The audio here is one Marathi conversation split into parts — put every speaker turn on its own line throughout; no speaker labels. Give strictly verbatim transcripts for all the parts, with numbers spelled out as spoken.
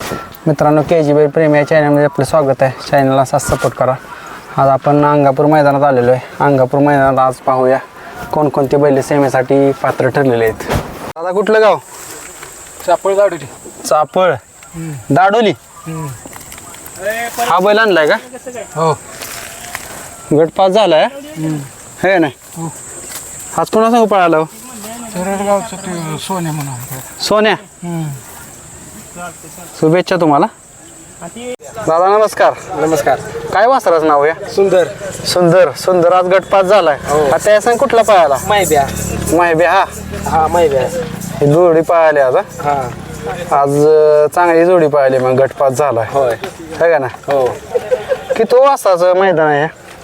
मित्रांनो, के जी बैल प्रेमी या चॅनलमध्ये आपलं स्वागत आहे. चॅनलला असाच सपोर्ट करा. आज आपण अंगापूर मैदानात आलेलो आहे. अंगापूर मैदानात आज पाहूया कोणकोणते बैल सेमेसाठी पात्र ठरलेले आहेत. दादा कुठलं गाव?
चापळ दाडोली.
चापळ दाडोली. हा बैल आणलाय का?
हो.
गटपास झालाय हे नाही. आज कोणा सांगू पळाला?
गावचं ते सोने म्हणून.
सोन्या. शुभेच्छा तुम्हाला. दादा नमस्कार.
नमस्कार.
काय वासराचं नाव आहे?
सुंदर.
सुंदर. सुंदर आज गटपास झालाय. त्या सांग कुठला पळाला?
मायब्या.
मायब्या. हा
हा मायब्या.
ही जोडी पळाली आज.
हा
आज चांगली जोडी पळाली, मग गटपास झालाय.
होय.
है का ना?
हो.
की तो वाजताचं मैदान आहे?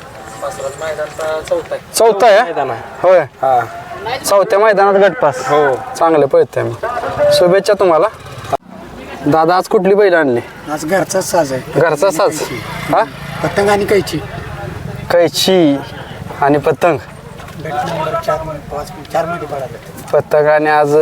चौथा आहे. होय.
हा
चौथ्या मैदानात गटपास.
हो.
चांगलं पळतंय. मग शुभेच्छा तुम्हाला. दादा आज कुठली बैल आणली?
आज घरचाच साज आहे.
घरचा साज. हा
पतंग आणि कैची.
कैची आणि पतंग.
चार पाच चार मध्ये पडाले.
पतंग आणि आज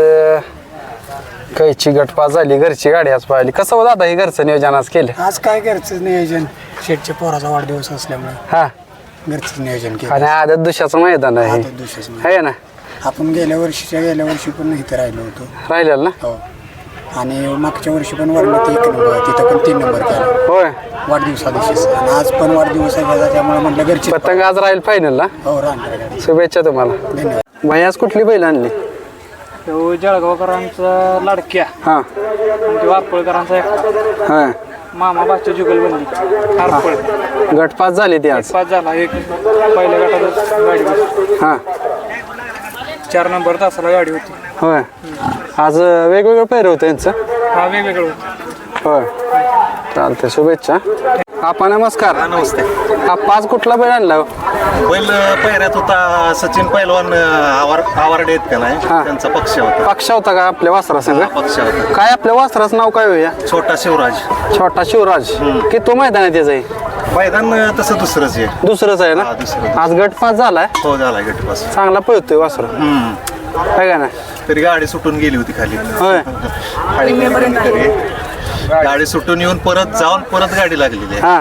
कैची गटपास झाली. घरची गाडी आज पाहिली. कसं हो दादा हे घरचं नियोजन आज केलं?
आज काय घरचं नियोजन, शेठच्या पोराचा वाढदिवस असल्यामुळे
हा
घरचं नियोजन केलं.
आणि आदत दुशाचं मैदान आहे
आदत दुसऱ्याचं.
है ना?
आपण गेल्या वर्षीच्या गेल्या वर्षी पण इथे राहिलो होतो.
राहिलेलं ना?
हो. आणि मागच्या वर्षी पण वरणात एक नंबर, तिथं पण तीन नंबर केला
होय.
वाढदिवसा दिवशीच. आणि आज पण वाढदिवस आहे त्याचा, त्यामुळे म्हटलं घरची
पतंग आज राहील फायनलला.
हो राहणार गाडी.
शुभेच्छा तुम्हाला.
धन्यवाद.
भाई आज कुठली बैल आणली?
जळगावकरांचा लाडक्या
हा
आणि वारपळकरांचा एक
हा
मामा बाच्या जुगलबंदी हारपळ
गटपास झाली ती आज.
पाच झाला. एक पहिल्या गटात गाडी होती.
हा
चार नंबर तासाला गाडी होती.
होय. आज वेगवेगळं पैर होतं यांचं.
हा वेगवेगळं होतं.
होय. चालतंय. शुभेच्छा. आपा नमस्कार.
नमस्ते.
हा पाच कुठला बैल आणला?
बैल पहिऱ्यात होता सचिन पैलवान आवार आवारडे आहेत का नाही,
हा.
त्यांचा पक्ष होता.
पक्ष होता का आपल्या वासरा संग?
पक्ष होता.
काय आपल्या वासराचं नाव काय होया?
छोटा शिवराज.
छोटा शिवराज. की तो मैदान आहे त्याचं आहे?
मैदान तसं दुसरंच आहे.
दुसरंच आहे ना?
हा, दुसरं.
आज गटपास झालाय.
हो झाला गटपास.
चांगला पळतोय वासरा.
हम्म.
आहे का ना?
तरी गाडी सुटून गेली होती खाली.
होय.
खाली तरी गाडी सुटून येऊन परत जाऊन परत गाडी लागलेली आहे.
हा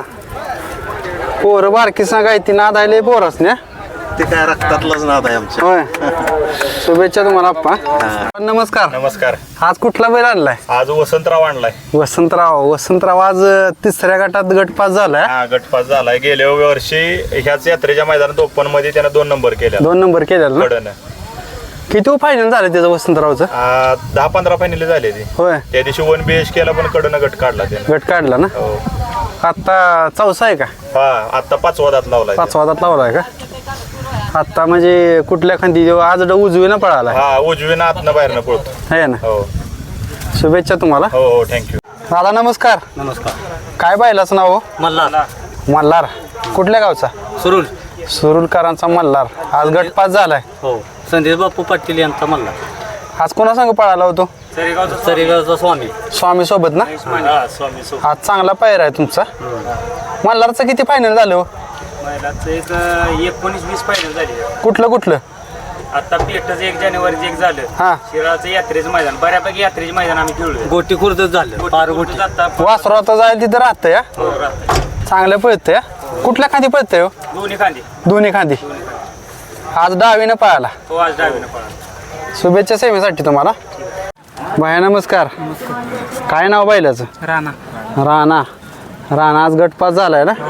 पोरं बारकी सांगाय ती नाद आले पोरच ना.
ते काय रक्तातलाच नाद आहे आमच्या.
होय. शुभेच्छा तुम्हाला आप्पा. नमस्कार.
नमस्कार.
आज कुठला बैल आणलाय?
आज वसंतराव आणलाय.
वसंतराव. वसंतराव आज तिसऱ्या गटात गटपास झालाय.
हा गटपास झालाय. गेल्या वर्षी ह्याच यात्रेच्या मैदानात ओपन मध्ये त्यानं दोन नंबर केला.
दोन नंबर केलेला ना?
कडन
किती फायनल झालं त्याचं वसंतरावचं?
दहा पंधरा फायनल झाले ते.
होय.
त्या दिवशी वन बी एच केला पण कडन गट काढला त्यानं.
गट काढला ना?
हो.
आता चौसा आहे का?
हा आता पाचवा दात लावलाय.
पाचवा दात लावलाय का? आता म्हणजे कुठल्या खांदी आज उजवी ना पळाला
हा उजवीनं आतनं बाहेरनं पळतो.
आहे ना?
हो
शुभेच्छा तुम्हाला.
हो हो थँक्यू.
दादा नमस्कार.
नमस्कार.
काय बैलाचं नाव?
मल्हार.
मल्हार. कुठल्या गावचा?
सुरुल.
सुरुलकरांचा मल्हार. आज गटपास झालाय.
हो. संदेश बापू पाटील यांचा मल्हार.
आज कोणा संग पळाला होतो?
सरीगावचा स्वामी.
स्वामी सोबत ना?
स्वामी सो
आज चांगला पायरा आहे तुमचा. मल्हारचं किती फायनल झालं हो?
एक एकोणीस वीस फायनल झाली.
कुठलं कुठलं?
आता पेटच एक जानेवारीचं एक झालं.
हा
शिराळचं यात्रेचं मैदान, बऱ्यापैकी यात्रेचे मैदान आम्ही खेळलोय.
गोटी खुर्दच झालं. पार गोटी.
वासरू आता जायला तिथं राहतं या.
हो राहतं.
चांगलं पळतंय. कुठल्या खांदी पळतंय हो?
दोन्ही खांदे.
दोन्ही खांदी. आज डावीनं पळाला.
तो आज डावीनं पळाला.
शुभेच्छा सेवेसाठी तुम्हाला. भया नमस्कार. काय नाव बैलाचं?
राणा.
राणा. राणा आज गटपास झालाय ना?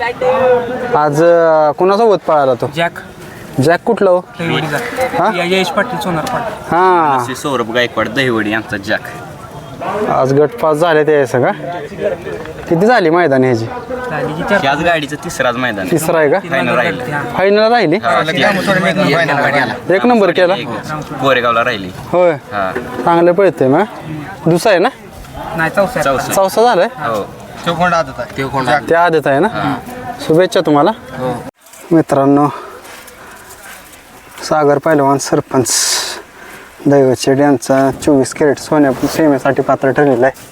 आज अं, कोणासोबत पळाला तो?
जॅक.
जॅक कुठलं हो? हा?
यश पाटील सोनार पाटील.
हा
सौरभ गायकवाड दहिवडी यांचा जॅक.
आज गटपास झाले ते सगळं. किती झाली मैदान ह्याची?
याच गाडीचं तिसराच मैदान आहे.
तिसरा आहे का?
फायनल राहिली.
फायनल राहिली. एक नंबर केला.
गोरेगावला राहिली.
होय.
हा
चांगलं पळतंय मग. दुसरा आहे ना?
नाही चौसा.
चौसा.
चौसा झालाय.
हो
ते आदत आहे ना? शुभेच्छा तुम्हाला. मित्रांनो, सागर पहिलवान सरपंच दैवतशेठ यांचा चोवीस कॅरेट सोन्या सेमेसाठी पात्र ठरलेला आहे.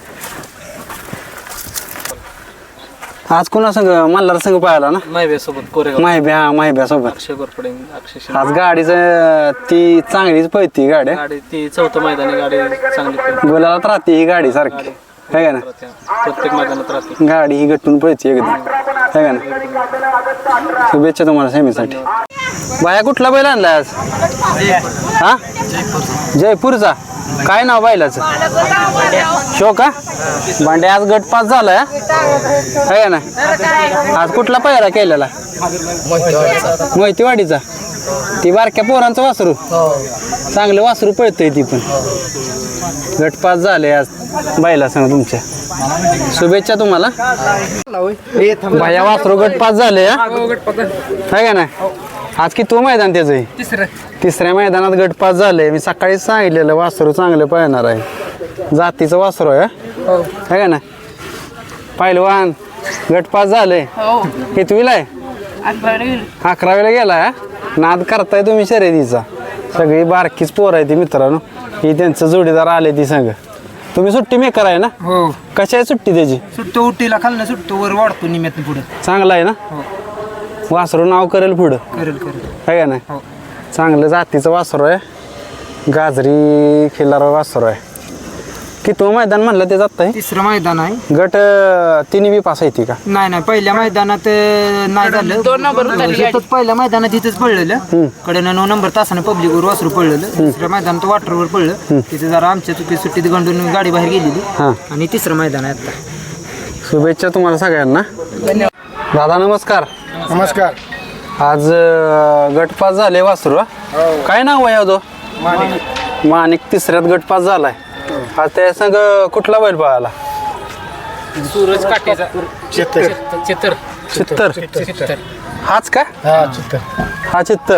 आज कोणा संघ? मल्हार संघ पाहिला ना?
माहिब्यासोबत कोरेगाव.
माहिब्या. हा माहिब्या सोबत.
अक्षय गोरपडे. अक्षय.
आज गाडीचं ती चांगलीच पळती गाडी.
गाडी ती चौथं मैदानी गाडी चांगली.
बोलायला राहते ही गाडी सारखी. है का ना
प्रत्येक मैदानात राहते.
गाडी ही गटून पळते एकदम है का ना शुभेच्छा तुम्हाला सेमीसाठी. बाया कुठला बैल आणलाय आज हा जयपूरचा काय नाव बैलाचं शो का भांडे आज गट पास झालाय है का ना आज कुठला पहिला केलेला मोहितीवाडीचा ती बारक्या पोरांचं वासरू चांगलं वासरू पळतंय ती पण गट पास झाले आज बैला सांग तुमच्या शुभेच्छा तुम्हाला. भाया वासरू गट पास झाले है का ना आज किती मैदान त्याचं
तिसरं
तिसऱ्या मैदानात गट पास झाले. मी सकाळीच सांगितलेलं वासरू चांगलं पळणार आहे जातीचं वासरू आहे है का ना पहिलवान गट पास झाले कितवीला आहे अकरावीला गेलाय नाद करताय तुम्ही शर्यतीचा सगळी बारकीच पोर आहे ती मित्रांनो ही त्यांचं जोडीदार आले ती संग. तुम्ही सुट्टी मेकर आहे ना
हो
कशी आहे सुट्टी त्याची
सुट्टो उट्टीला खाल्लं सुट्टो वर वाढतो निम्यातून पुढे
चांगला आहे ना वासरू नाव करेल पुढं
करेल करेल
आहे का नाही चांगलं जातीचं वासरू आहे गाजरी खिल्लार वासरू आहे. किती मैदान म्हणलं ते जात आहे
तिसरं मैदान आहे.
गट अं, तिन्ही बी पास आहे का
नाही नाही पहिल्या मैदानात अं, नाही झालं दोन नंबर पहिल्या मैदानात इथंच पडलेलं कडे नऊ नंबर तासानं पब्लिकवर वासरू पडलेलं दुसऱ्या मैदानात वाटरवर पडलं तिथे जरा आमच्या चुकी सुट्टीत गंडून गाडी बाहेर गेलेली
हां
आणि तिसरं मैदान आहे आता.
शुभेच्छा तुम्हाला सगळ्यांना. दादा नमस्कार.
नमस्कार.
आज अं, गट पास झाले वासरू हा? काय नाव आहे तो माणिक तिसऱ्यात गट पास झालाय. आज त्या संग कुठला बैल पळाला
सूरज काटेचा चित्तर चित्तर
चित्तर
चित्तर
हाच का हा चित्तर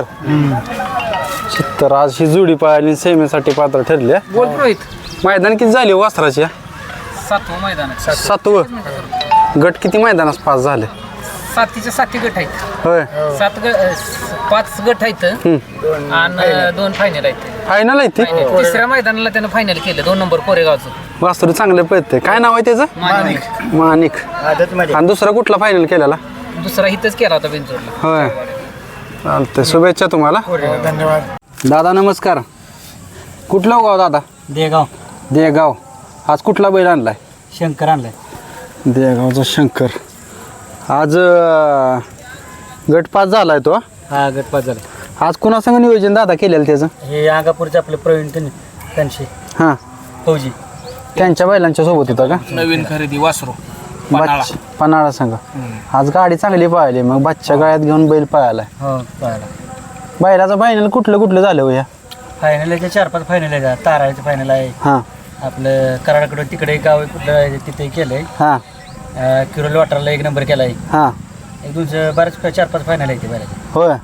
चित्तर आज ही जोडी पळाली सेमीसाठी पात्र ठरली.
बोल रोहित
मैदान किती झाली वासराची
सातवं मैदान आहे.
सातवं गट किती मैदानास पास झाले
सातीचे साती गट आहेत.
होय
सात ग पाच गट आहेत आणि दोन फायनल आहेत.
फायनल आहे ती
तिसऱ्या मैदानाला त्यानं फायनल केलं दोन नंबर कोरेगावचं.
वासरू चांगलं पळते काय नाव आहे त्याचं
मानिक
माणिक आणि दुसरा कुठला फायनल केलेला
दुसरा हिथंच केला होता बेंचोरला.
होय चालतंय शुभेच्छा तुम्हाला.
धन्यवाद.
दादा नमस्कार. कुठलं गाव दादा
देगाव
देगाव आज कुठला बैल आणलाय
शंकर आणलाय.
देगावचा शंकर आज अं, गट पास झालाय तो
हा गट पाच झाला.
आज कुणासंग नियोजन दादा केलेलं त्याचं
हे अंगापूरचे आपले प्रवीण त्यांचे
हां
फौजी
त्यांच्या बैलांच्या सोबत होता का
नवीन खरेदी वासरू
बच्च पन्हाळा संघ आज गाडी चांगली पळाली मग बच्च्या गळ्यात घेऊन बैल पळालाय.
हो पाहिला
बैलाचं फायनल कुठलं कुठलं झालं हो या
फायनल आहे चार पाच फायनल आहे. ताराळीचं फायनल आहे
हां
आपलं कराडाकडं तिकडे गाव आहे कुठलं आहे तिथे केलंय.
हां
किरोल वाटरला एक नंबर केला आहे.
हां
एक दोनशे बरेच चार पाच फायनल आहे ते बैलाचे.
होय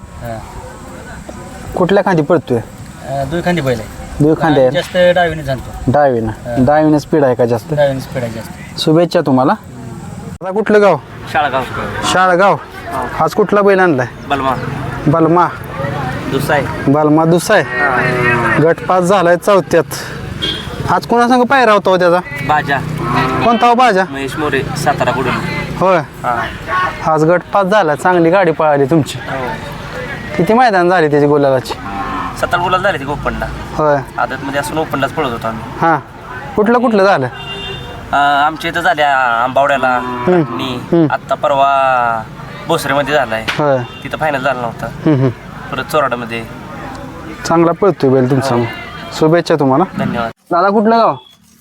कुठल्या खांदी पडतोय
दुई खांदी बैल आहे.
दुई खांदे आहे
जास्त डावीने जाणतो
डावीनं डावीनं स्पीड आहे का जास्त.
डावीने स्पीड आहे जास्त.
शुभेच्छा तुम्हाला. आता कुठलं गाव
शाळगाव
शाळगाव आज कुठला बैल आणलाय
बलमा
बलमा
दुसाय
बलमा दुसाय गट पास झालाय चौथ्यात. आज कोणासंग पायरा होता हो त्याचा
बाजा
कोणता हो बाजा
महेश मोरे सातारा कुठून
होय आज गट पास झाला चांगली गाडी पळाली तुमची. किती मैदान झाली त्याची गोलाची
सातारा गुलाल झाले ते ओपनला
होय
आदत मध्ये असून ओपनलाच पळत होतो आम्ही.
हां कुठलं कुठलं झालं
अं, आमच्या इथं झाल्या आंबावड्याला मी आत्ता परवा भोसरेमध्ये झालाय
होय
तिथं फायनल झाला नव्हता.
हम्म, हम्म.
परत चोराडामध्ये.
चांगला पळतोय बैल तुमचा मग. शुभेच्छा तुम्हाला.
धन्यवाद.
दादा कुठलं गाव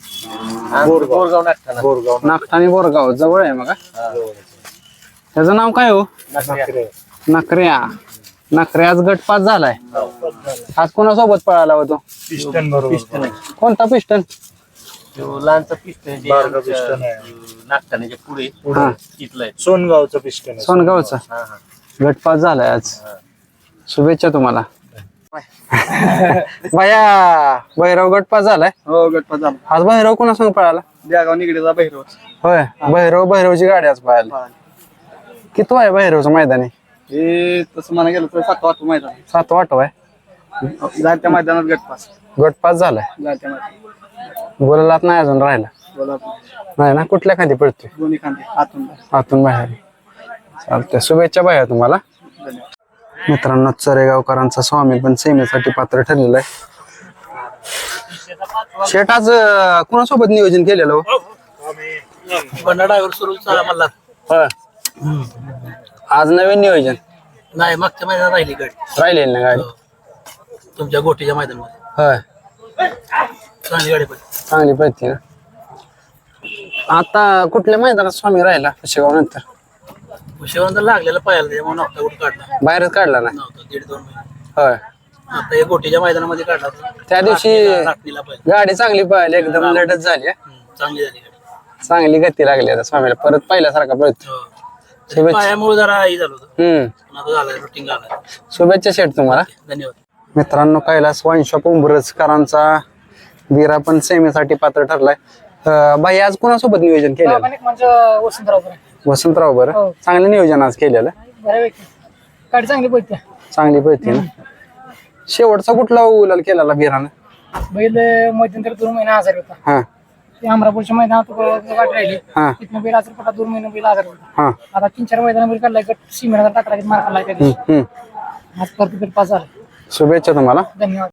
नागठाणे बोरगाव जवळ आहे मग त्याचं नाव काय हो नखऱ्या नखऱ्या आज गट पास झालाय. आज कोणासोबत पळाला होतो कोणता पिस्टन
लहानचा पिस्टन नागठाण्याच्या पुढे
हां
तिथलं आहे.
सोनगावचं पिस्टन
सोनगावचा गट पास झालाय आज. शुभेच्छा तुम्हाला. बाया भैरव गट पास झालाय.
हो गट पास झाला.
आज भैरव कोणासंग पळाला
देगाव निगडीचा बहिरव.
होय भैरव भैरवची गाडी आज पळाली. किती आहे भैरवचं मैदान आहे
हे तसं म्हणा गेलं तर सात वाजता मैदान.
सात वाटव आहे
जात्या मैदानात गट पास.
गट पास झालाय.
जात्या मैदान
बोलायलाच नाही अजून राहिला
बोला
नाही ना कुठल्या खाली पडतोय
दोन्ही खांदे आतून बाहेर.
आतून बाहेर. चालतंय शुभेच्छा बाया तुम्हाला. मित्रांनो चरेगावकरांचा स्वामी पण सेमीसाठी पात्र ठरलेला आहे. शेट आज अं, कोणासोबत नियोजन केलेलं हो?
बंडा ड्रायव्हर सुरूचा मला
होय आज नवीन नियोजन
नाही मागच्या महिन्यात राहिली गाडी
राहिलेली ना गाडी
तुमच्या गोटीच्या मैदानामध्ये
होय
चांगली गाडी पण
चांगली पळते ना आता कुठल्या मैदानात स्वामी राहिला शेगाव नंतर
शिवांतर लागलेला पाहायला त्याच्यामुळे नव्हता कुठं काढला
बाहेरच काढला ना
नव्हता दीड दोन महिने
होय
आता हे गोटीच्या मैदानामध्ये काढला
त्या दिवशी
राखणीला पाहिजे
गाडी चांगली पळाली एकदम लढत झाली हा.
चांगली झाली गाडी
चांगली गती लागली आता स्वामीला परत पहिल्यासारखा पळतो
हो.
शुभेच्छा
पायामुळे जरा हे झालं होतं
हम्म
पण आता झालं रुटीन झालं
शुभेच्छा शेठ तुम्हाला
धन्यवाद
मित्रांनो कैलास वाईन शॉप उंबरजकरांचा वीरा पण सेमीसाठी पात्र ठरलाय अं, बाई आज कोणासोबत नियोजन केलेलं
म्हणजे वसंतराव
वसंतराव बरं
हो.
चांगलं नियोजन आज केलेलं
बऱ्यापैकी गाडी चांगली पडते
चांगली पळते ना शेवटचा कुठला उलाल केलेला वीरानं
बैल मध्यंतर दोन महिने आजारी होता
हा
ते अमरापूरच्या मैदानात गाडी राहिली
हा
तिथनं बैल आजारी पडला दोन महिने बैल आजारी होता
हा
आता तीन चार मैदान बैल काढलाय गट सीमेला टाकला मार खाल्लाय त्या दिवशी
हम्म
आज परत गट पास झाला
शुभेच्छा तुम्हाला
धन्यवाद